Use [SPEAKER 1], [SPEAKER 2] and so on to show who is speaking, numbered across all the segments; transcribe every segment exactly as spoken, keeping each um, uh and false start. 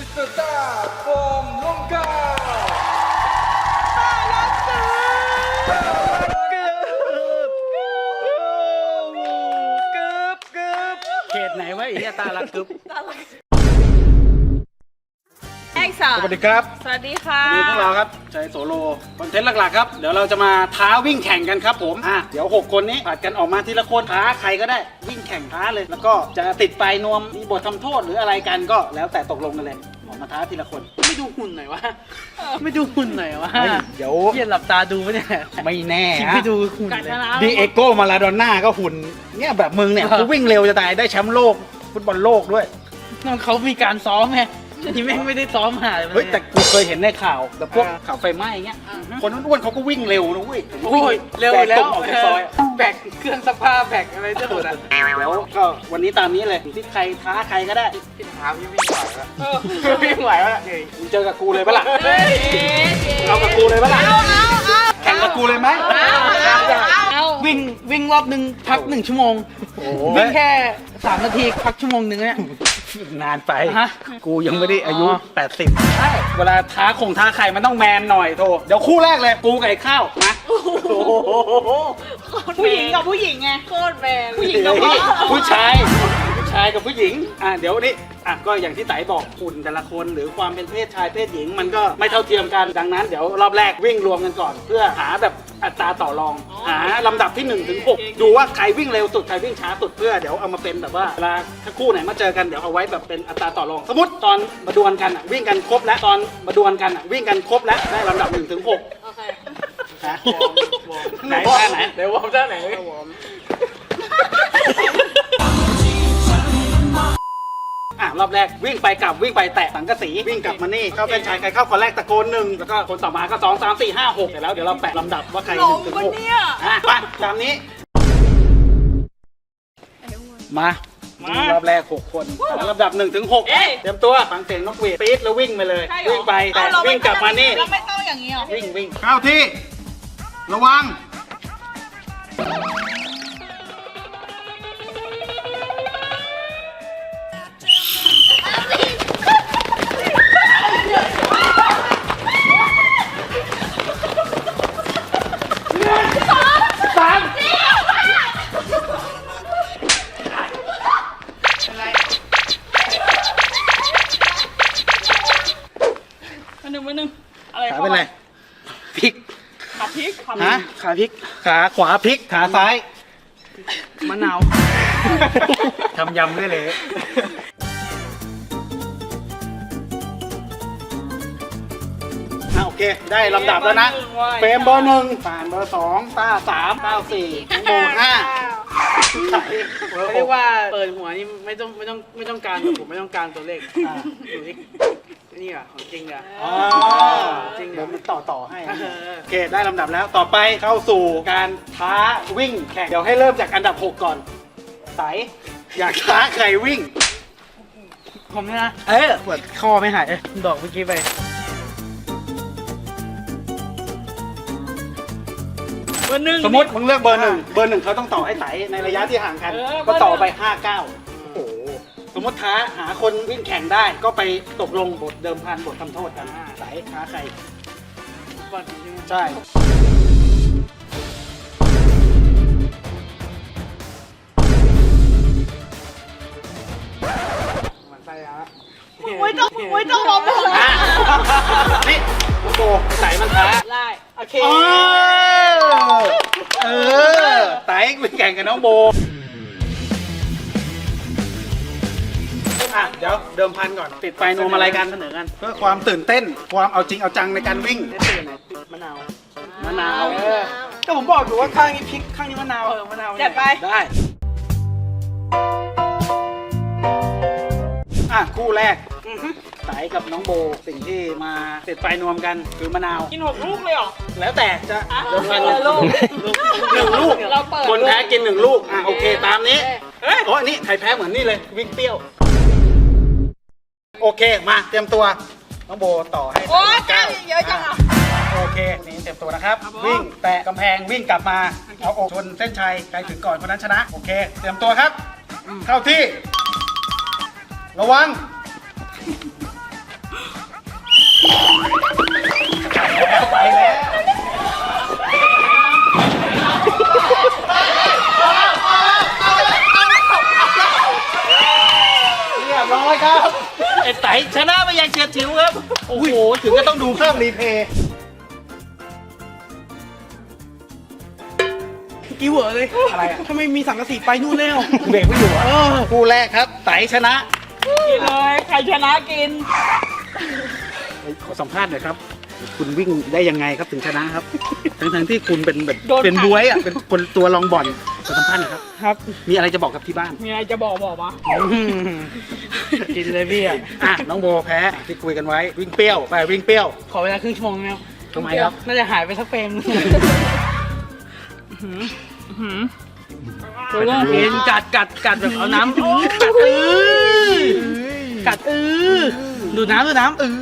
[SPEAKER 1] สเตอร์ต้าฟอร์มลงกาตาลักเกือบเกือบเกือบเกือบเขตไหนวะไอ้เหี้ยตาลักกึบ
[SPEAKER 2] สวัสดีครับ
[SPEAKER 1] สวัสดีค่ะ
[SPEAKER 2] วันนี้พวกเราครับใจโสโลคอนเทนต์หลักๆครับเดี๋ยวเราจะมาท้าวิ่งแข่งกันครับผมอ่ะเดี๋ยวหกคนนี้ผัดกันออกมาทีละคนท้าใครก็ได้วิ่งแข่งท้าเลยแล้วก็จะติดปลายนวมมีบททำโทษหรืออะไรกันก็แล้วแต่ตกลงกันเลยออกมาท้าทีละคน
[SPEAKER 1] ไม่ดูหุ่นหน่อยวะไม่ดูหุ่นหน่อยวะ
[SPEAKER 2] เดี๋ยว
[SPEAKER 1] เพี้ยนหลับตาดูไม่เนี่ย
[SPEAKER 2] ไม่แน่
[SPEAKER 1] ไม่ดูหุ่นเลย
[SPEAKER 2] ดีเอโก้มาลาโดน่าก็หุ่นเนี่ยแบบมึงเนี่ยกูวิ่งเร็วจะตายได้แชมป์โลกฟุตบอลโลกด้วย
[SPEAKER 1] น้องเขามีการซ้อมไงที่แม่งไม่ได้ซ้อมหาเลย
[SPEAKER 2] เฮ้ยแต่กูเคยเห็นในข่าวแบบพวกข่าวไฟไหม้เงี้ยคนอ้วนๆเขาก็วิ่งเร็วนะเว้ย
[SPEAKER 1] โอ้ยเร็วแล้ว
[SPEAKER 2] ออกจากซอย
[SPEAKER 1] แบกเครื่องซักผ้าแบกอะไรจะหมดอ่ะ
[SPEAKER 2] แล้วก็วันนี้ตามนี้เลยที่ใครท้าใครก็ได้
[SPEAKER 1] พี่ท้าพี่วิ่งไหวแล้ววิ่งไหวแล้ว
[SPEAKER 2] มึงเจอกับกูเลยปะล่ะเอากับกูเลยปะล่ะแข่งกับกูเลยไหม
[SPEAKER 1] วิ่งวิ่งรอบหนึ่งพักหนึ่งชั่วโมงวิ่งแค่สามนาทีพักชั่วโมงหนึ่งเนี่ย
[SPEAKER 2] นานไปกูยังไม่ได้อายุแปดสิบเวลาท้าคงท้าใครมันต้องแมนหน่อยโทเดี๋ยวคู่แรกเลยกูไก่ข้าวนะ
[SPEAKER 1] ผู้หญิงกับผู้หญิงไงโคตรแมน
[SPEAKER 2] ผู้หญิงกับผู้ชายผู้ชายกับผู้หญิงอ่ะเดี๋ยวนี้อ่ะก็อย่างที่ไต่บอกหุ่นแต่ละคนหรือความเป็นเพศชายเพศหญิงมันก็ไม่เท่าเทียมกันดังนั้นเดี๋ยวรอบแรกวิ่งรวมกันก่อนเพื่อหาแบบอัตราต่อรองหาลำดับที่หนึ่งถึงหกดูว่าใครวิ่งเร็วสุดใครวิ่งช้าสุดเพื่อเดี๋ยวเอามาเป็นแบบว่าเวลาถ้าคู่ไหนมาเจอกันเดี๋ยวเอาไว้แบบเป็นอัตราต่อรองสมมติตอนมาดวลกันอ่ะวิ่งกันครบแล้วตอนมาดวลกันอ่ะวิ่งกันครบแล้วได้ลำดับหนึ่งถึงหกโอเคไหนท่าไหน
[SPEAKER 1] เดี๋ยววอร์มท่าไหน
[SPEAKER 2] อ่ะรอบแรกวิ่งไปกลับวิ่งไปแตะสังกะสีวิ่งกลับมานี่เข้าเส้นชัยใครเข้าคนแรกตะโกนหนึ่งแล้วก็คนต่อมาก็สองสามสี่ห้าหกเสร็จแล้วเดี๋ยวเราแปะลำดับว่าใครหนึ่งถึงหกอ่ะไปตามนี้มารอบแรกหกคนลำดับหนึ่งถึงหกเตรียมตัวฟังเสียงนกหวีดปี๊ดแล้ววิ่งไปเลยวิ่งไปแต่วิ่งกลับมานี่
[SPEAKER 1] เราไม่ต้องอย่างนี้หรอ
[SPEAKER 2] วิ่งวิ่งเข้าที่ระวังขาเป็นไรพลิก
[SPEAKER 1] ขาพลิก
[SPEAKER 2] ฮะขาพลิกขาขวาพลิกขาซ้าย
[SPEAKER 1] มะนาว
[SPEAKER 2] ทำยำได้เลยโอเคได้ลำดับแล้วนะเฟรมเบอร์หนึ่งผ่านเบอร์สองต้าสามเก้าสี่โมงห้า
[SPEAKER 1] เรียกว่าเปิดหัวนี่ไม่ต้องไม่ต้องไม่ต้องการผมไม่ต้องการตัวเลขอยู่ที่นี่อ่ะของจริงอ่ะ
[SPEAKER 2] อ๋อจริงเดี๋ยวมันต่อต่อให้โอเคได้ลำดับแล้วต่อไปเข้าสู่การท้าวิ่งแข่งเดี๋ยวให้เริ่มจากอันดับหกก่อนไสอยากท้าใครวิ่ง
[SPEAKER 1] ผมเนี่ยนะเออปวดคอไม่หายดอกเมื่อกี้ไปเบอร์หนึ่ง
[SPEAKER 2] สมมติมึงเลือกเบอร์หนึ่งเบอร์หนึ่งเขาต้องต่อให้ไสในระยะที่ห่างกันก็ต่อไปห้าเก้าสมมติท้าหาคนวิ่งแข่งได้ก็ไปตกลงบทเดิมพันบททำโทษกันไสท้าใครใช่
[SPEAKER 1] มันใส่แล้ว
[SPEAKER 3] ไม่ต้องไม่ต้องมองเลย
[SPEAKER 2] นี่โบไสมันท้า
[SPEAKER 1] ได้โอเค
[SPEAKER 2] เออไสวิ่งแข่งกับน้องโบเดี๋ยวเดิมพันก่อนติดไฟนวมอะไรกันเสนอกันเพื่อความตื่นเต้นความเอาจริงเอาจังในการวิ่ง
[SPEAKER 1] มะนาว
[SPEAKER 2] มะนาว
[SPEAKER 1] ก็ผมบอกอยู่ว่าข้างนี้พริกข้างนี้มะนาวเออมะนาว
[SPEAKER 3] จัดไป
[SPEAKER 2] ได้อ่ะคู่แรกไสกับน้องโบสิ่งที่มาติดไฟนวมกันคือมะนาว
[SPEAKER 3] กินหกลูกเลยเหรอ
[SPEAKER 2] แล้วแต่จะเดิมพันหนึ่งลูกหนึ่งลูกคนแพ้กินหนึ่งลูกอ่ะโอเคตามนี้โอ้ยนี่ใครแพ้เหมือนนี่เลยวิ่งเปรี้ยวโอเคมาเตรียมตัวน้องโบต่อให้
[SPEAKER 3] โอ้ยแก้วเยอะจังอ่ะ
[SPEAKER 2] โอเคนี่เตรียมตัวนะครับวิ่งแตะกำแพงวิ่งกลับมาเอาอกชนเส้นชัยใครถึงก่อนคนนั้นชนะโอเคเตรียมตัวครับเข้าที่ระวังไปแล้วเรียบร้อยครับไอ้ไต่ชนะไปยังเฉียดฉิวครับโอ้โหถึงก็ต้องดูภาพรีเพย์
[SPEAKER 1] กี่เหวอเลย
[SPEAKER 2] อะไรอ่ะ
[SPEAKER 1] ทำไมมีสังกะสีไปนู่นแล้ว
[SPEAKER 2] เบรกไม่อยู่อ่ะคู่แรกครับไต่ชนะ
[SPEAKER 3] กินเลยใครชนะกิน
[SPEAKER 2] ขอสัมภาษณ์หน่อยครับ คุณวิ่งได้ยังไงครับถึงชนะครับ ทั้งทั้งๆที่คุณเป็นแบบ
[SPEAKER 3] โดน
[SPEAKER 2] เป็น
[SPEAKER 3] ขัง
[SPEAKER 2] บวยอ่ะเป็นคนตัวรองบ่อนขอสัมภาษณ์หน่อยครับ
[SPEAKER 1] ครับ
[SPEAKER 2] มีอะไรจะบอกกับที่บ้าน
[SPEAKER 3] มีอะไรจะบอกบอกมา
[SPEAKER 1] กินเลยพี่อ่ะ
[SPEAKER 2] อ่ะน้องโบแพ้ที่คุยกันไว้วิ่งเปรี้ยวไปวิ่งเปรี้ยว
[SPEAKER 1] ขอเวลาครึ่งชั่วโมงแล้ว
[SPEAKER 2] ทำไมครับ
[SPEAKER 1] น่าจะหายไปสักเฟรมกินกัดกัดกัดแบบเอาน้ำกัดเออกัดเออดูดน้ำดูดน้ำเออ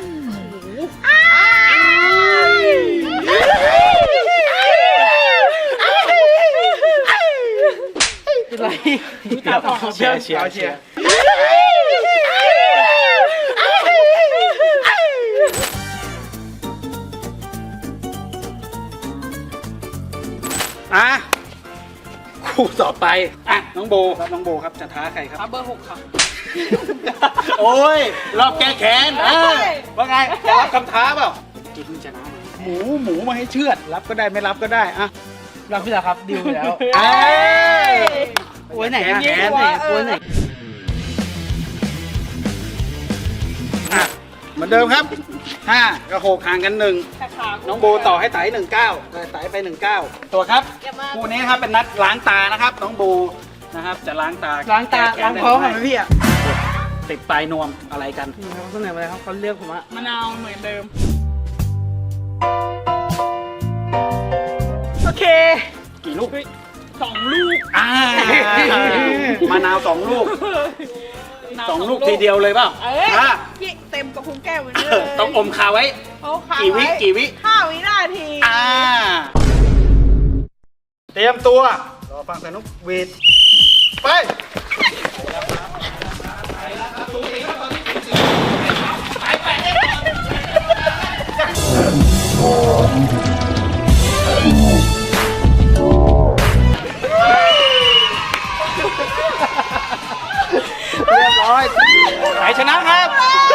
[SPEAKER 1] เป็นไรเชียร์เชียร์เชียร์
[SPEAKER 2] อ่ะคู่ต่อไปอ่ะน้องโบครับน้องโบครับจะท้าใครครับ
[SPEAKER 3] เบอร์หกค่ะ
[SPEAKER 2] โอ้ยรอบแก้แค้นอ่ะว่าไงจะรับคำท้าเปล่ากินชนะหมูหมูมาให้เชือดรับก็ได้ไม่รับก็ได้อ่ะ
[SPEAKER 1] รับพี่แล้วครับดิวไปแล้ว
[SPEAKER 2] เอ้ย
[SPEAKER 1] โอ้ยไหนอะ
[SPEAKER 2] แขน
[SPEAKER 1] ไหนโอ้ยไหน
[SPEAKER 2] อ่ะเหมือนเดิมครับห้ากับหกห่างกันหนึ่ง
[SPEAKER 3] แต่ขา
[SPEAKER 2] น้องโบต่อให้ไต่หนึ่งเก้าไต่ไปหนึ่งเก้าตัวครับคู่นี้นะครับเป็นนัดล้างตานะครับ น้องโบนะครับ จะล้างตา
[SPEAKER 1] ล้างตา
[SPEAKER 2] แก้
[SPEAKER 1] ล้าง
[SPEAKER 2] แค้น
[SPEAKER 1] ท้อง
[SPEAKER 2] ได้
[SPEAKER 1] เหร
[SPEAKER 2] ไห
[SPEAKER 1] อ
[SPEAKER 2] ม
[SPEAKER 1] พี่อ่ะ
[SPEAKER 2] ติดปลายนวมอะไรกัน
[SPEAKER 1] เขาเสนอมาเลยครับเขาเลือกผมอะ
[SPEAKER 3] มะนาวเหมือนเดิม
[SPEAKER 1] โอเค
[SPEAKER 2] กี่ลูก
[SPEAKER 3] สองลูก
[SPEAKER 2] อ่ามะนาวสองลูกสองลูกทีเดียวเลยเปล่า
[SPEAKER 3] เอ้ย
[SPEAKER 2] อ่ะ
[SPEAKER 3] พี่เต็มกับพุงแก้วเหมือนเดิม
[SPEAKER 2] ต้องอมคาไว้
[SPEAKER 3] เขาขา
[SPEAKER 2] กี่วิ
[SPEAKER 3] ไ
[SPEAKER 2] กี่วิ
[SPEAKER 3] ห้าวินาที
[SPEAKER 2] อ่าเตรียมตัวรอฟังสนุกเวทไปเรียบร้อยไหนชนะครับ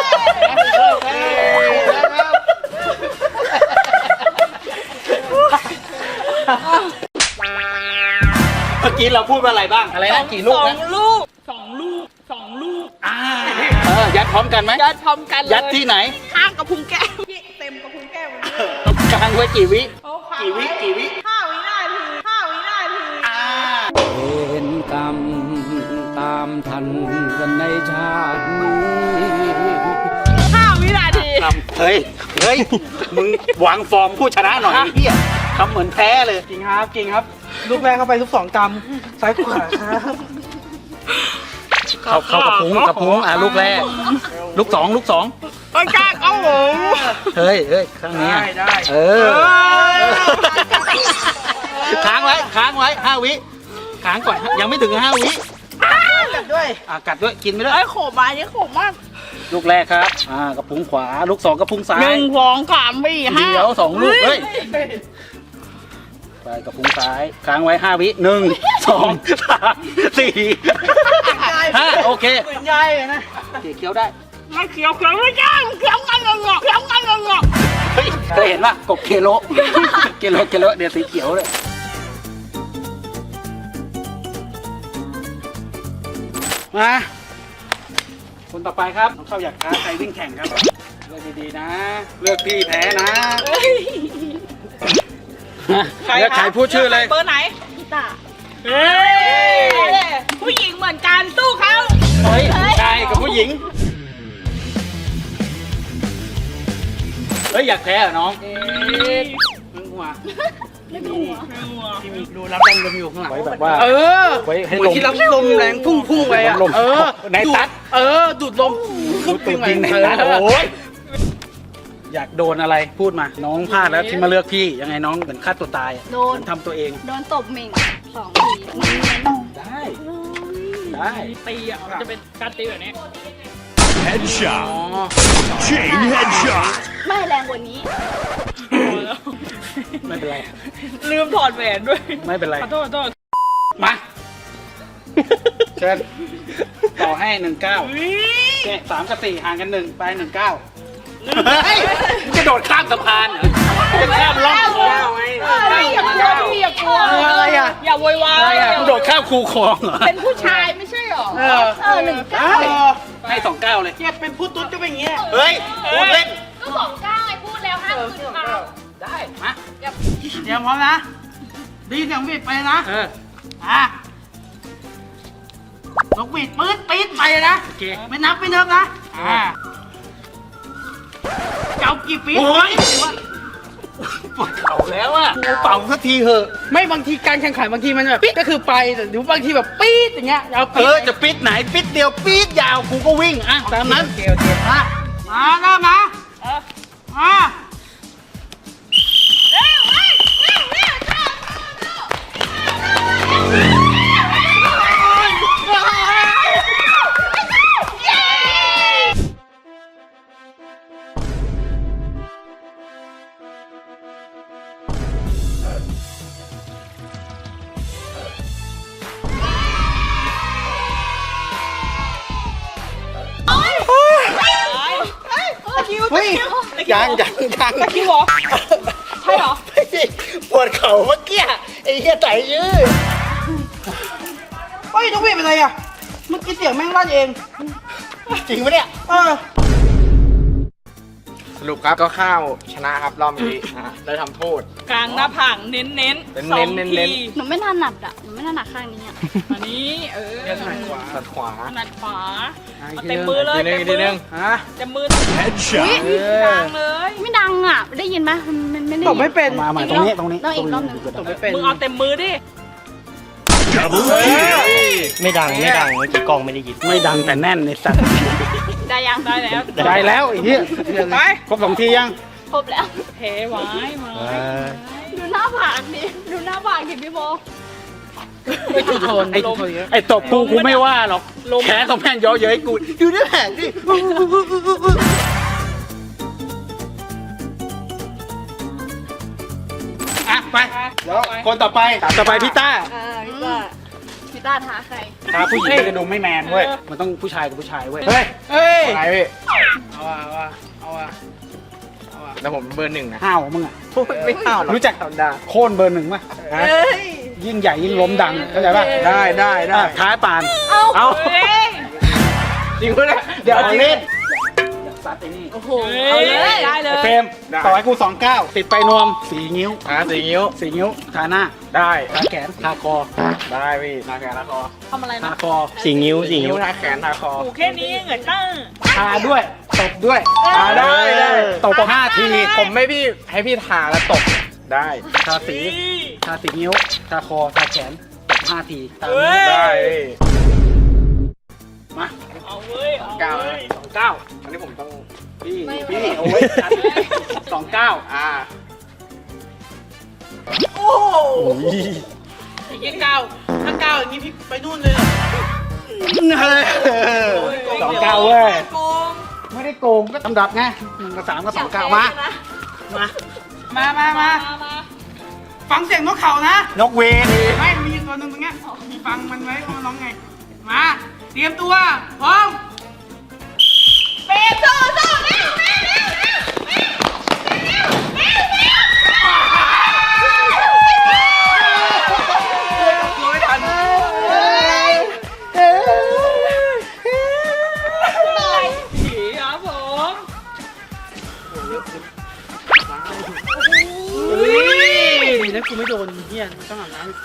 [SPEAKER 2] เมื่อกี้เราพูดว่าอะไรบ้างอะไรนะกี่ลูก
[SPEAKER 3] สอ
[SPEAKER 2] นะ
[SPEAKER 3] งลูกสองลูกสองลูก
[SPEAKER 2] อ่าเออยัดพร้อมกันไหม
[SPEAKER 3] ยัดพร้อมกันเลย
[SPEAKER 2] ยัดที่ไหน
[SPEAKER 3] ข้างกับพุงแก้วพี่เต็มกับพุงแก้วเหมือนเดิม
[SPEAKER 2] ต้องกลางไว้กี่วิ
[SPEAKER 3] เขาขา
[SPEAKER 2] กี่วิกี่วิ
[SPEAKER 3] ห้าวินาทีห้าวินาที
[SPEAKER 2] อ่า
[SPEAKER 4] เห็นกรรมตามทันกันในชาตินี้
[SPEAKER 3] ห้าวินาที
[SPEAKER 2] ทำเฮ้ยเฮ้ยมึงวางฟอร์มผู้ชนะหน่อยไอ้เฮียทำเหมือนแพ้เลย
[SPEAKER 1] จริงครับจริงครับ ลูกแรกเข้าไปทุกสองกำซ้ายขวาครับ
[SPEAKER 2] เขาเขากระพุ้งกระพุ้งอ่ะลูกแรก ลูกสองลูกสอง
[SPEAKER 3] โอ้ยกล้าเอาหมู
[SPEAKER 2] เฮ้ยเฮ้ยข้างนี้
[SPEAKER 1] ได้
[SPEAKER 2] อ่ะ
[SPEAKER 1] ได้
[SPEAKER 2] เออค้างไว้ค้างไว้ห้าวิค้างก่อนยังไม่ถึงห้าวิ
[SPEAKER 1] กัดด้วย
[SPEAKER 2] อ่ะกัดด้วยกินไปด้วย
[SPEAKER 3] ไอ้ยโขมมาเนี่ยโขมมาก
[SPEAKER 2] ลูกแรกครับอ่ากระพุ้งขวาลูกสองกระพุ้งซ้า
[SPEAKER 3] ห
[SPEAKER 2] ย
[SPEAKER 3] นึ่งสองสามสี่ห้า
[SPEAKER 2] เดี๋ยวสองลูกเฮ้ยไปกระพุ้งซ้ายค้างไว้ห้าวิหนึ่งสองสามสี่ห้าโอเค
[SPEAKER 1] เหมือนยายเลยนะ
[SPEAKER 2] เคี้ยวได้
[SPEAKER 3] ไม่เขียวเขียวไม่ได้เขียวกันงงเขียวกันงง
[SPEAKER 2] เฮ้ยเคยเห็นป่ะกบเคโลเคโลเคโลเดี๋ยวสีเขียวเลยมาคนต่อไปครับน้องเข้าอยากท้าใครวิ่งแข่งครับเลือกดีๆนะ เลือกพี่แพ้นะเลือกใครพูดชื่อเลย
[SPEAKER 3] เบอร์ไหนพี่ตาเฮ้ยผู้หญิงเหมือนกันสู้เขา
[SPEAKER 2] เฮ้ยผู้ชายกับผู้หญิงเฮ้ยอยากแพ้เหรอน้องมึงหัว
[SPEAKER 3] ไม่ต้องหัว
[SPEAKER 1] ที่มีรูรับแรงลมอยู่ข้างหลัง
[SPEAKER 2] ไว้แบบว่า
[SPEAKER 1] เออ
[SPEAKER 2] ไว้ให้
[SPEAKER 1] เหมื
[SPEAKER 2] ล
[SPEAKER 1] อน
[SPEAKER 2] ม
[SPEAKER 1] ที่รับลมแรงพุ่งพุ่งไปอ่ะ
[SPEAKER 2] ลม
[SPEAKER 1] เออ
[SPEAKER 2] ในตัด
[SPEAKER 1] เออดูดลม
[SPEAKER 2] ดูตูดยิงในตัดโอ้ยอยากโดนอะไรพูดมา น้องพลาดแล้วที่มาเลือกพี่ยังไงน้องเหมือนฆ่าตัวตายอะ
[SPEAKER 5] โดน
[SPEAKER 2] เหมือทำตัวเอง
[SPEAKER 5] โดนตบเหม่งสองทีมันเน้น
[SPEAKER 2] ได้ ได้
[SPEAKER 3] ตีอ่ะมันจะเป็นการตีแบบนี้
[SPEAKER 6] Headshot. Chain headshot.
[SPEAKER 5] ไม่แรงกว่านี้
[SPEAKER 2] ไม่เป็นไร
[SPEAKER 3] ลืมถอดแหวนด้วย
[SPEAKER 2] ไม่เป็นไร
[SPEAKER 3] ขอโทษขอโทษ
[SPEAKER 2] มา เชิญต่อให้หนึ่งเก้าเนี่ยสามกับสี่ห่างกันหนึ่งไปหนึ่งเก้าเฮ้ยมึงจะโดดข้ามสะพานเหรอจะข้ามล่องคลองไง
[SPEAKER 3] อย่ากลัวพี่อย่ากลัว
[SPEAKER 2] อะไรอ่ะ
[SPEAKER 3] อย่าโวยวาย
[SPEAKER 2] มึงโดดข้ามคูคลองเหรอ
[SPEAKER 3] เป็นผู้ชายไม่ใช่หรอ
[SPEAKER 2] เออ
[SPEAKER 5] เออหนึ่งเก้า
[SPEAKER 2] ให้สองเก้าเลย
[SPEAKER 1] เนี่ยเป็นผู้ตุ๊ดจะเป็นอย่างเงี้ย
[SPEAKER 2] เฮ้ยพูดเล่น
[SPEAKER 5] ก็สองเก้าไอ้พูดแล้วห้ามขึ้นมา
[SPEAKER 2] ได้มา
[SPEAKER 1] เตรียมพร้อมนะดีเสียงบีดไปนะ
[SPEAKER 2] เออ
[SPEAKER 1] อ่ะนกบีดปื๊ดปี๊ดไปนะ
[SPEAKER 2] โอเค
[SPEAKER 1] ไม่นับไม่นับนะอ่าเจ้ากี่ปี๊ด
[SPEAKER 2] โอ้ยปวดเข่าแล้วอ่ะกูเป่าสักทีเหอะ
[SPEAKER 1] ไม่บางทีการแข่งขันบางทีมันแบบปี๊ดก็คือไปแต่หรือบางทีแบบปี๊ดอย่างเงี้ยเอา
[SPEAKER 2] เอ
[SPEAKER 1] ปี๊
[SPEAKER 2] อ
[SPEAKER 1] ด
[SPEAKER 2] จะปิดไหนปิดเดียวปิดยาวกูก็วิ่งอ่ะตามนั้น
[SPEAKER 1] โอเคโอเคมามาเริ่มนะมา
[SPEAKER 2] เฮ้ยยังยังยัง
[SPEAKER 3] ตะคิวเหรอ ใช่เหรอ
[SPEAKER 2] ปวดเข่าเมื่อกี้ไอ้เหี้ยไตยื้อ
[SPEAKER 1] เฮ้ยนกบีดเป็นไรอ่ะเมื่อกี้เสียงแม่งลั่นเอง
[SPEAKER 2] จริงปะเนี่ย
[SPEAKER 1] เออ
[SPEAKER 7] สรุปครับก็ข้าวชนะครับรอบนี้อ่ะได้ทำโทษ
[SPEAKER 3] กลางหน้าผากเน้นเน้น
[SPEAKER 7] เน้นๆ
[SPEAKER 3] สอง
[SPEAKER 7] เน้น
[SPEAKER 3] ที
[SPEAKER 7] ๆ
[SPEAKER 5] หนูไม่ถนัดอ่ะ หนูไม่ถนัดข้างนี้อ่ะ
[SPEAKER 3] อันนี้เออ
[SPEAKER 7] สัดขวาสัดขวา
[SPEAKER 3] ถนัดขวาเอาเต็มมือเลย
[SPEAKER 7] ทีนึง
[SPEAKER 3] เต็ม
[SPEAKER 7] ที
[SPEAKER 3] มื
[SPEAKER 7] นึ
[SPEAKER 3] อง
[SPEAKER 2] ฮะ
[SPEAKER 3] เต็มมือ
[SPEAKER 6] Headshot.
[SPEAKER 3] กลางเลย
[SPEAKER 5] ไม่ดังอ่ะ ได้ยินไหมมันมันไม่ได้
[SPEAKER 1] ตบไม่เป็น
[SPEAKER 2] มาใหม่ตรงนี้ตรงนี้
[SPEAKER 5] ต้องอีกรอบหนึ่ง
[SPEAKER 1] ตบไม่เป็น
[SPEAKER 3] มึงเอาเต็มมือดิ
[SPEAKER 6] Double kill.
[SPEAKER 8] ไม่ดังไม่ดังเมื่อกี้กล้องไม่ได้ยิน
[SPEAKER 2] ไม่ดังแต่แน่นในสัตว์
[SPEAKER 5] ได้ยัง
[SPEAKER 3] ได้แล้ว
[SPEAKER 2] ได้แล้วไอ้เหี้ย
[SPEAKER 3] ไป
[SPEAKER 2] ครบสองทียัง
[SPEAKER 5] ครบแล้ว
[SPEAKER 3] เทไว้ไว้
[SPEAKER 5] ดูหน้าผากดิดูหน้าผากดิพี่โบ
[SPEAKER 1] ไม่ถูกโทน
[SPEAKER 2] ไอ้
[SPEAKER 1] ถูกโทนเยอะ
[SPEAKER 2] ไอ้ตบกูกูไม่ว่าหรอกแขนของแม่งเยอะเย้ยกูดูเนื้อแผงดิอ่ะไปแล้วคนต่อไปต่อไปพี่ต้า
[SPEAKER 5] อ่าพี่ต้าพี่ต้าท้าใคร
[SPEAKER 2] ถ้าผู้หญิงก็จะดูไม่แมนเว้ยมันต้องผู้ชายกับผู้ชายเว้ยเฮ้ย
[SPEAKER 1] เฮ้ย
[SPEAKER 7] อะไรพี่
[SPEAKER 1] เอาอ่ะเอาอ่ะเอาอ่ะเอาอ่ะ
[SPEAKER 7] แล้วผมเบอร์หนึ่งนะ
[SPEAKER 2] ห้าวมึงอ่ะ
[SPEAKER 7] ไม่ข้าวหรอก
[SPEAKER 2] รู้จัก
[SPEAKER 7] ธรรมดา
[SPEAKER 2] โค่นเบอร์หนึ่งป่ะ
[SPEAKER 7] ฮะ
[SPEAKER 2] ยิ่งใหญ่ยิ่งล้มดังเข้าใจป่ะ
[SPEAKER 7] ได้ได้ได้
[SPEAKER 2] อ่ะท้ายปาน
[SPEAKER 5] เอา
[SPEAKER 2] เอา
[SPEAKER 3] เฮ้ย
[SPEAKER 7] จริงปะเนี่ย
[SPEAKER 2] เดี๋ยวเล่นซัดไอ้นี่
[SPEAKER 5] โอ้โห
[SPEAKER 3] เอาเลยได้เลย
[SPEAKER 2] เฟรมต่อให้กูสองเก้าติดไปนวมสีนิ้ว
[SPEAKER 7] อ่ะสี่นิ้ว
[SPEAKER 2] สีนิ้วทาหน้า
[SPEAKER 7] ได้
[SPEAKER 2] ทาแขนทาคอ
[SPEAKER 7] ได้พี่ทาแขนทาคอ
[SPEAKER 3] ทำอะไร
[SPEAKER 2] ทา
[SPEAKER 3] นะ
[SPEAKER 2] คอ
[SPEAKER 8] สี่นิ้วสี่
[SPEAKER 7] นิ้
[SPEAKER 8] นิ้
[SPEAKER 7] ว
[SPEAKER 8] ว
[SPEAKER 7] ทาแขนทาคอ
[SPEAKER 3] ถูกแค่นี้เหงื่อตั้ง
[SPEAKER 2] ทาด้วยตบด้วย
[SPEAKER 7] อ่าได้ได้
[SPEAKER 2] ตบห้าที
[SPEAKER 7] ผมไม่พี่ให้พี่ทาแล้วตบได้
[SPEAKER 2] ทาสีทาสีนิ้วทาคอทาแขนตบห้าทีตาม
[SPEAKER 3] เฮ้
[SPEAKER 2] นี้
[SPEAKER 3] ย
[SPEAKER 7] ได้พี่
[SPEAKER 2] มา
[SPEAKER 3] เอาเว้ยเอา
[SPEAKER 7] เก้า
[SPEAKER 3] เว้ย
[SPEAKER 2] สองเก้า
[SPEAKER 7] อันนี้ผมต้อง
[SPEAKER 2] พี่พี่โอ้ยจัดสองเก้า
[SPEAKER 7] อ่า
[SPEAKER 1] โอ้โหไอ้เงี้ยก้าวถ้าก้าวอย่างงี้พี่ไปนู่นเลยอะ
[SPEAKER 2] สองเก้าเว้ย
[SPEAKER 3] โกง
[SPEAKER 2] ไม่ได้โกงก็ลำดับไงหนึ่งกับสามกับสองเก้ามา
[SPEAKER 1] มามามามา
[SPEAKER 3] มามา
[SPEAKER 1] ฟังเสียงนกเขานะ
[SPEAKER 2] นกเวน
[SPEAKER 1] ไม่มีอยู่ตัวหนึ่งตรงเนี้ยฟังมันไว้ว่ามันร้องไง มา เตรียมตัว พร้อม
[SPEAKER 3] เป๊ะโซ่โซ่เร็วเร็วเร็วเร็วเร็วเร็วเร็ว
[SPEAKER 1] รู้ไม่ทัน
[SPEAKER 3] ผีครับผม
[SPEAKER 1] ดีนะกูไม่โดนเฮียต้องอาบน้ำอีก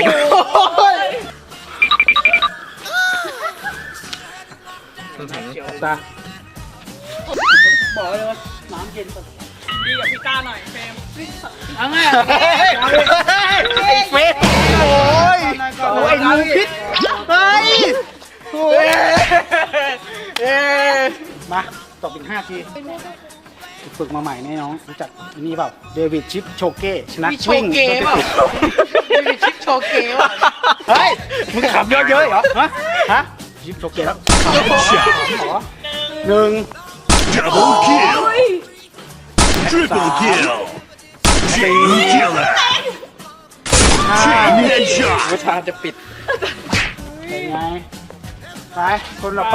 [SPEAKER 2] ตา
[SPEAKER 1] บอกเลยว่าน้ำเย็นสุด
[SPEAKER 3] ดีกับพี่ต้าหน่อยเฟรม
[SPEAKER 1] เอาไง
[SPEAKER 2] ไอ้เฟสโอ้ยโอ้ยงูพิษเฮ้ยโอ้ยเอ้มาตบอีกห้าทีฝึกมาใหม่แน่น้องรู้จักอันนี้เปล่าเดวิดชิปโชเก้ชนะ
[SPEAKER 1] มีโช
[SPEAKER 2] วิ่ง
[SPEAKER 1] เกะเปล่ามีชิปโชเกะว่ะ
[SPEAKER 2] เฮ้ยมึงขับเยอะๆเหรอฮะฮะชิปโชเก้แล้ว
[SPEAKER 6] Headshot.
[SPEAKER 2] เหรอ
[SPEAKER 3] หนึ่ง
[SPEAKER 2] หนึ่ง
[SPEAKER 6] Double kill. Triple kill. Chain killer. Chain
[SPEAKER 7] วิ
[SPEAKER 6] headshot.
[SPEAKER 7] ชาจะปิด
[SPEAKER 2] เป็นไง ไป คนต่อไป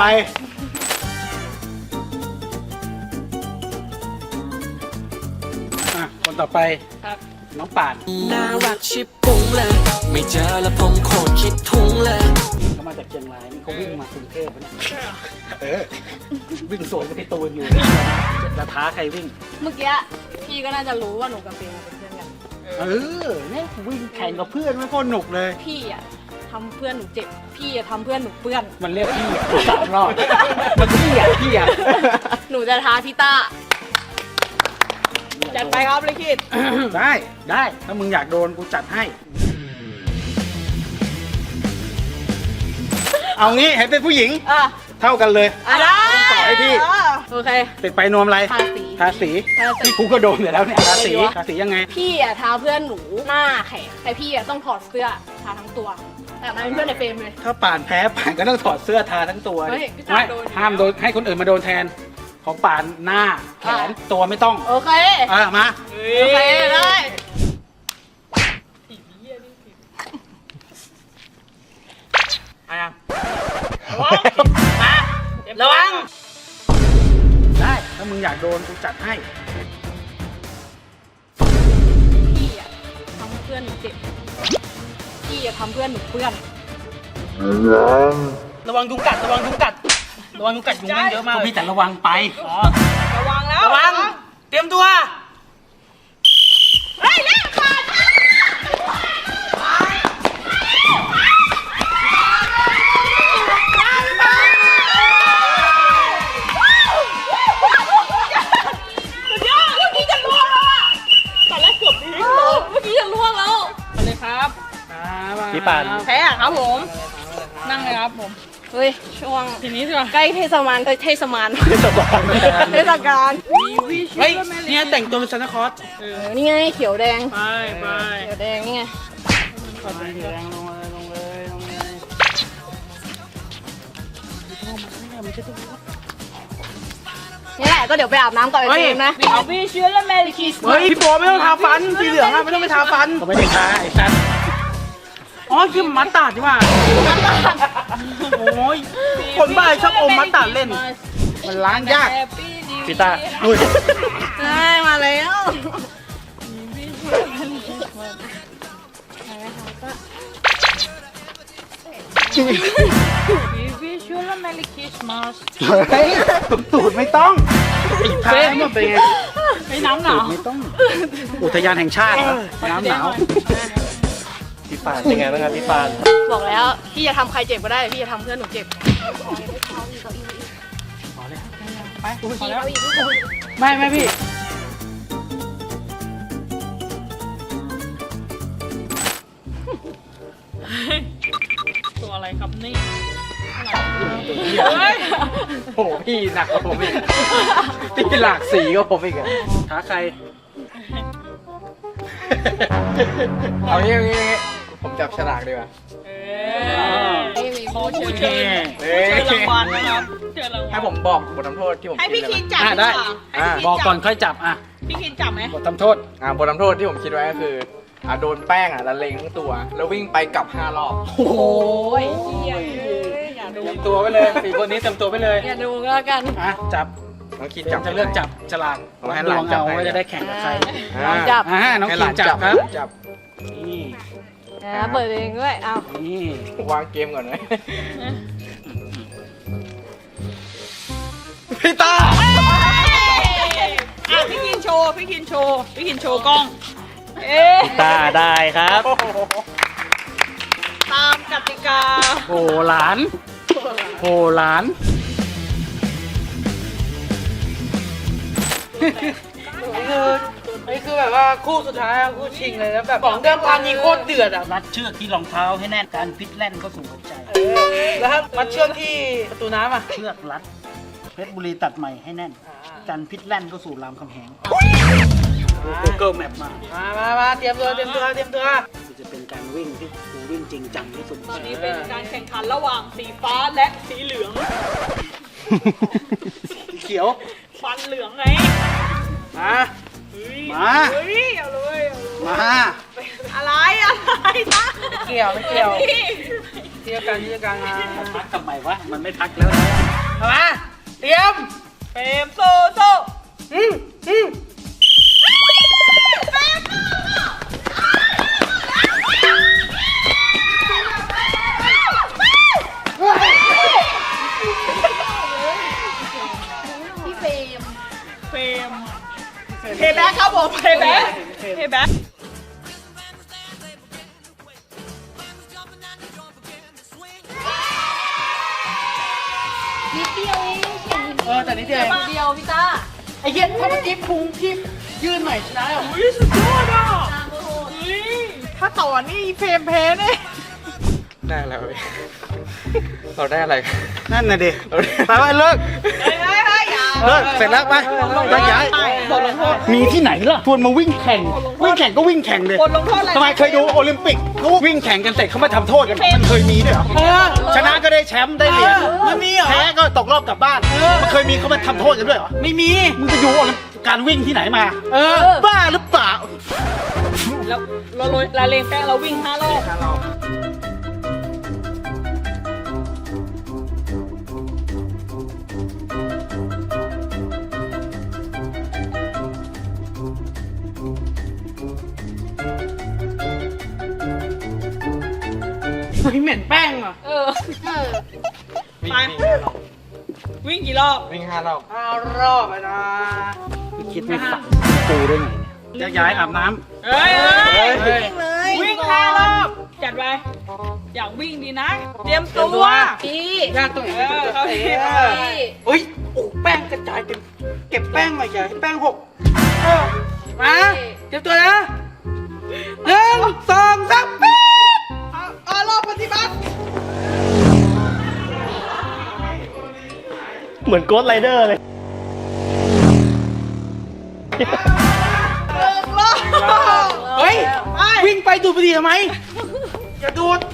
[SPEAKER 2] อ่ะ คนต่อไป
[SPEAKER 5] ครับ
[SPEAKER 2] น้องป่าน
[SPEAKER 9] น่ารักชิบปุ้งเลย ไม่เจอแล้วผมโคตรคิดทุ้งเลย
[SPEAKER 2] เขามาจากเชียงรายนี่เขาวิ่งมากรุงเทพนะเนี่ยเออ วิ่งสวนกับพี่ตูนอยู่จะท้าใครวิ่ง
[SPEAKER 5] เมื่อกี้พี่ก็น่าจะรู้ว่าหนูกับเฟรมเป็นเพื่อนกัน
[SPEAKER 2] เออเนี่ยวิ่งแข่งกับเพื่อนไม่โคตรหนุกเลย
[SPEAKER 5] พี่อะทำเพื่อนหนูเจ็บ พี่อะทำเพื่อนหนูเปื้อน
[SPEAKER 2] มันเรียกพี่อ่ะสามรอบมันพี่อ่ะพี่อ่ะ
[SPEAKER 5] หนูจะท้าพี่ต้า
[SPEAKER 3] จัดไปครับลิขิต
[SPEAKER 2] ได้ได้ถ้ามึงอยากโดนกูจัดให้ เอางี้ให้เป็นผู้หญิง
[SPEAKER 5] อ่ะ
[SPEAKER 2] เท่ากันเลย
[SPEAKER 5] อ่ะได้
[SPEAKER 2] ต่อให้พี่
[SPEAKER 5] โอเค
[SPEAKER 2] ติดไปนวมอะไร
[SPEAKER 5] ทาสี
[SPEAKER 2] ทาสี
[SPEAKER 5] ทาสี
[SPEAKER 2] ที่กูก็โดนอยู่แล้วเนี่ยทาสีทาสียังไง
[SPEAKER 5] พี่อะท้าเพื่อนหนูหน้าแข็งแต่พี่อะต้องถอดเสื้อทาทั้งตัว แต่นายเป็นเพื่อนในเฟรมเลย
[SPEAKER 2] ถ้าป่านแพ้ป่านก็ต้องถอดเสื้อทาทั้งตัว
[SPEAKER 5] เฮ้ยพี่ตา
[SPEAKER 2] ไม่
[SPEAKER 5] โดนอยู่
[SPEAKER 2] ห้ามโดนให้คนอื่นมาโดนแทน ของป่านหน้าแขนตัวไม่ต้อง
[SPEAKER 5] โอเค
[SPEAKER 2] อ่ะมา
[SPEAKER 5] โอเคได้
[SPEAKER 2] ระวังได้ถ้ามึงอยากโดนกูจัดให้
[SPEAKER 5] พี่อะทำเพื่อนหนูเจ็บ พี่อะทำเพื่อนหนูเปื้อน
[SPEAKER 8] ระวังยุงกัด ระวังยุงกัด ระวังยุงกัดยุงแม่งเยอะมาก
[SPEAKER 2] ก็
[SPEAKER 8] เลย
[SPEAKER 2] พี่แต่ระวังไป
[SPEAKER 8] อ๋อ
[SPEAKER 3] ระวังแล้ว
[SPEAKER 8] ระวัง เตรียมตัว
[SPEAKER 3] เฮ้ยเล่นขาด
[SPEAKER 5] เมื่อกี้จะล่วงแล้วอะตอนแรกเกือบดีเมื่อกี้จะล่วงแล้ว
[SPEAKER 3] มาเลยครับ
[SPEAKER 8] พี่ปาน
[SPEAKER 3] แพ้อะครับผม นั่งเลยครับผม
[SPEAKER 5] เฮ้ย ช่วง
[SPEAKER 3] ทีนี้ดีกว่า
[SPEAKER 5] ใกล้เทศมานเทศมาน
[SPEAKER 2] เทศบาล
[SPEAKER 5] เทศกาล
[SPEAKER 8] เฮ้ย เนี่ยแต่งตัวเป็นซานตาคลอส
[SPEAKER 5] เออนี่ไงเขียวแดง
[SPEAKER 3] ไปไป
[SPEAKER 5] เขียวแดงนี่ไง
[SPEAKER 2] แรงลงเลยลงเลยลงเลย
[SPEAKER 5] นี่แหละก็เดี๋ยวไปอาบน้ำก่อนไปเฟรมนะ
[SPEAKER 3] เอาพี่เชื้อและแมริคิส
[SPEAKER 8] เฮ้ย พี่โปไม่ต้องทาฟัน สีเหลืองอะไม่ต้องไปทาฟัน
[SPEAKER 2] ก็ไม่ได้ท้าไอ้สัตว์
[SPEAKER 8] อ๋อคือมัดตาดใช่ป่ะโอ้ย คนบ้าชอบอมมัดตาดเล่น
[SPEAKER 2] มันล้างยาก
[SPEAKER 8] พี่ตา
[SPEAKER 2] อุ้ย
[SPEAKER 5] ได้มาแล้ว
[SPEAKER 3] พี่เชื้อและแมริคิสมาส
[SPEAKER 2] เฮ้ยตูดไม่ต้องท้ายมันเป็นไง
[SPEAKER 3] ไปน้ำหนาว
[SPEAKER 2] ไม่ต้อง อุทยานแห่งชาติเหรอน้ำหนาว
[SPEAKER 8] พี่ปานเป็นไงบ้างครับพี่ปาน
[SPEAKER 5] บอกแล้วพี่จะทำใครเจ็บก็ได้พี่จะทำเพื่อนหนูเจ็บ
[SPEAKER 3] ไปพอแล้ว
[SPEAKER 2] ไม่ไม่พี่
[SPEAKER 3] ตัวอะไรครับนี่
[SPEAKER 7] เฮ้ย โอ้โหพี่หนักกว่าผมอีกพี่หลากสีกว่าผมอีกอะ
[SPEAKER 2] ท้าใคร
[SPEAKER 7] เอางี้เอางี้เอางี้ผมจับฉลากดีกว่า
[SPEAKER 3] ขอเชิญเชิญ
[SPEAKER 7] เฮ้ย
[SPEAKER 3] เชิญรางวัลนะครับเชิญรางวัล
[SPEAKER 7] ให้ผมบอกบททำโทษที่ผม
[SPEAKER 3] ให้พี่
[SPEAKER 7] คิ
[SPEAKER 3] คิ
[SPEAKER 7] ด
[SPEAKER 3] น
[SPEAKER 7] ไว้
[SPEAKER 3] จับ
[SPEAKER 2] อ่ะได้
[SPEAKER 3] ดีว่าให้พี่คิ
[SPEAKER 2] บอกก่อน
[SPEAKER 3] จั
[SPEAKER 2] ค่อยจับอ่ะ
[SPEAKER 3] พี่คินจับไหม
[SPEAKER 2] บททำโทษ
[SPEAKER 7] อ่าบททำโทษที่ผมคิดไว้ก็คืออ่าโดนแป้งอ่ะละเลงทั้งตัว แล้ววิ่งไปกลับห้ารอบ
[SPEAKER 2] โอ้โห
[SPEAKER 5] โอ้ยเหี้ยอย่าดู
[SPEAKER 2] เตรียมตัวไว้เลยสี่คนนี้เตรียมตัวไว้เลย
[SPEAKER 5] อย่าดูก็แล้วกัน
[SPEAKER 2] อ่ะจับ
[SPEAKER 7] น้องคิด
[SPEAKER 2] จั
[SPEAKER 7] จั
[SPEAKER 2] บบ จะเลือกจับฉลาก
[SPEAKER 7] เอาให้หลาน
[SPEAKER 2] ดวง
[SPEAKER 7] จับ
[SPEAKER 2] เอา
[SPEAKER 7] ให้
[SPEAKER 2] ว่าจะได้แข่งกับใคร
[SPEAKER 5] ลองจับ
[SPEAKER 2] อ่าน้อง
[SPEAKER 7] ให้ห
[SPEAKER 2] คิ
[SPEAKER 7] ลาน
[SPEAKER 2] นจับครับ
[SPEAKER 7] จับ
[SPEAKER 2] นี่
[SPEAKER 5] นะเปิดเองด้วยเอา
[SPEAKER 2] นี่
[SPEAKER 7] วางเกมก่อนเลยพี่ตา
[SPEAKER 3] อ่ะพี่คินโชว์ พี่คินโชว์ พี่คินโชว์กล้อง
[SPEAKER 5] เอ๊ะ
[SPEAKER 8] ตาได้ครับ
[SPEAKER 3] ตามกติกา
[SPEAKER 2] โอ้หลานโอ้หลาน
[SPEAKER 8] คือนี่คือแบบว่าคู่สุดท้ายอะคู่ชิงเลยแล้วแบบของเดิมพันนี่โคตรเดือดอ่ะ
[SPEAKER 2] รัดเชือกที่รองเท้าให้แน่นการฟิตแล่นเข้าสู่หัวใจ
[SPEAKER 8] แล้วถ้ามัดเชือกที่ประตูน้ำอ่ะ
[SPEAKER 2] เชือกรัดเพชรบุรีตัดใหม่ให้แน่นกันพิษแล่นเข้าสู่รามคำแหง Google Map มา
[SPEAKER 8] มามามาเตรียมตัวเตรียมตัวเตรียมตัว
[SPEAKER 2] จะเป็นการวิ่งที่กูวิ่งจริงจังที่สุด
[SPEAKER 3] ตอนนี้เป็นการแข่งขันระหว่างสีฟ้าและสีเหลือง
[SPEAKER 2] สีเขียว
[SPEAKER 5] ฟันเหลืองไง
[SPEAKER 2] มา มา
[SPEAKER 5] เฮ้ยเอาเลยเอาเลย
[SPEAKER 2] มา
[SPEAKER 5] อะไรอะไรนะ
[SPEAKER 8] เกี่ยวไม่เกี่ยว
[SPEAKER 5] นี่
[SPEAKER 8] เที่ยวกันเที่ยวกันมา
[SPEAKER 2] พักทำไมวะ มันไม่พักแล้วนะ
[SPEAKER 8] เอามาเตรียม
[SPEAKER 5] เฟรมโซโซ
[SPEAKER 8] อืมอืม
[SPEAKER 3] พี่เฟรม
[SPEAKER 5] เฟรมเพย์แบ็คครับผมเพย์แบ็คเพย์แบ็ค
[SPEAKER 3] นิดเดียวเอง
[SPEAKER 8] เออแต่นิดเดียวเอง
[SPEAKER 3] นิดเดียวพี่ต้า
[SPEAKER 8] ไอ้เหี้ยถ้าเมื่อกี้พุงพี่ยื่นหน่อยชนะแล้ว
[SPEAKER 5] อุ้ยสุดยอดอ่ะ
[SPEAKER 3] ตามโอ้โห
[SPEAKER 5] อุ้ยถ้าต่อนี่เฟรมแพ้แน่
[SPEAKER 7] ได้แล้วเว้ยเราได้อะไรกัน
[SPEAKER 2] นั่นน่ะดิไปว่าเลิก
[SPEAKER 5] เฮ้ยเฮ้ยเฮ้ยอย่า
[SPEAKER 2] เลิก เสร็จแล้วไปไปย้าย
[SPEAKER 5] บทลงโทษ
[SPEAKER 2] มีที่ไหนล่ะชวนมาวิ่งแข่ง วิ่งแข่งก็วิ่งแข่งเลย
[SPEAKER 5] บทลงโทษอะไร
[SPEAKER 2] ทำไมเคยดูโอลิมปิกเขาวิ่งแข่งกันเสร็จเขามาทำโทษกัน มันเคยมีด้วยเหรอ
[SPEAKER 8] เออ
[SPEAKER 2] ชนะก็ได้แชมป์ได้เหรียญ
[SPEAKER 8] มันมีเหรอ
[SPEAKER 2] แพ้ก็ตกรอบกลับบ้าน มันเคยมีเขามาทำโทษกันด้วยเหรอ
[SPEAKER 8] ไม่มี
[SPEAKER 2] มึงไปดูโอลิมการวิ่งที่ไหนมา
[SPEAKER 8] เออ
[SPEAKER 2] บ้าหรือเปล่า
[SPEAKER 5] แล้วเราโรยละเลงแป้งเราวิ่งห้ารอบ
[SPEAKER 8] เฮ้ยเหม็นแป้งอ่ะ
[SPEAKER 5] เออ
[SPEAKER 3] เออ
[SPEAKER 5] ไปวิ่งกี่รอบ
[SPEAKER 7] วิ่งห้ารอบ
[SPEAKER 8] ห้ารอบไปนะ
[SPEAKER 2] คิดไม่ฝันปูได้ไงเนี่ยย้ายอาบน้
[SPEAKER 5] เฮ้ยเฮ้ย
[SPEAKER 8] เฮ้ย
[SPEAKER 5] วิ่งห้ารอบจัดไปอยากวิ่งดีนะ เตรียมตัว
[SPEAKER 3] พี่
[SPEAKER 8] ยากตรงไหน
[SPEAKER 5] เออเขาเห็น
[SPEAKER 8] เออ
[SPEAKER 3] พี่
[SPEAKER 8] เฮ้ยโอ้แป้งกระจายเต็มเก็บแป้งหน่อยอย่าให้แป้งหกเออมาเตรียมตัวนะหนึ่งสองสามปี๊ด
[SPEAKER 5] เอารอบปฏิบัติ
[SPEAKER 1] เหมือนโกสต์ไรเดอร์เลย
[SPEAKER 5] หนึ่งรอบ
[SPEAKER 8] เฮ้ย
[SPEAKER 5] ไป
[SPEAKER 8] วิ่งไปดูดบุหรี่ทำไมอย่าดูด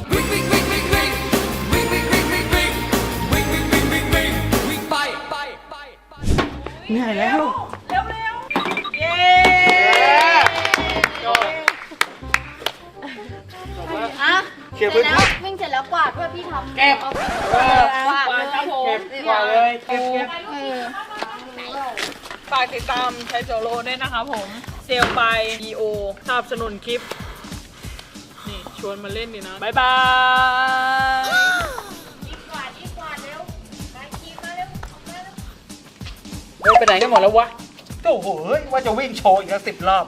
[SPEAKER 2] ำเหนื่อยแล้ว
[SPEAKER 5] เร็วเร็วเย้
[SPEAKER 3] อ่ะ
[SPEAKER 2] เคลียร์
[SPEAKER 3] เสร็
[SPEAKER 2] พื้
[SPEAKER 3] จ
[SPEAKER 2] น
[SPEAKER 3] แล้ว
[SPEAKER 2] ที่
[SPEAKER 3] วิ่งเสร็จแล้วกวาดด้วยพี่ทำ
[SPEAKER 8] เก็บ
[SPEAKER 3] อา
[SPEAKER 8] เออก
[SPEAKER 3] วาดเลย
[SPEAKER 5] ครับผม
[SPEAKER 8] เก็บกว่าเลยเก็บเก็บ
[SPEAKER 3] เออ
[SPEAKER 5] ฝากติดตามใช้โซโลด้วยนะครับผม เซลไป บี โอ สนับสนุนคลิป นี่ ชวนมาเล่นดีนะ บ๊ายบาย
[SPEAKER 3] กวาดอีกกวาดเร็วไปขี่มาเร็วมาเร็ว
[SPEAKER 8] เฮ้ยไปไหนกันหมดแล้ววะ
[SPEAKER 2] โอ้โหเฮ้ยว่าจะวิ่งโชว์อีกแล้วสิบรอบ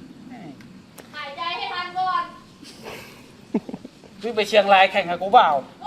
[SPEAKER 3] หายใจให้ทันก่อน
[SPEAKER 2] วิ่งไปเชียงรายแข่งกับกูเปล่า
[SPEAKER 3] ไ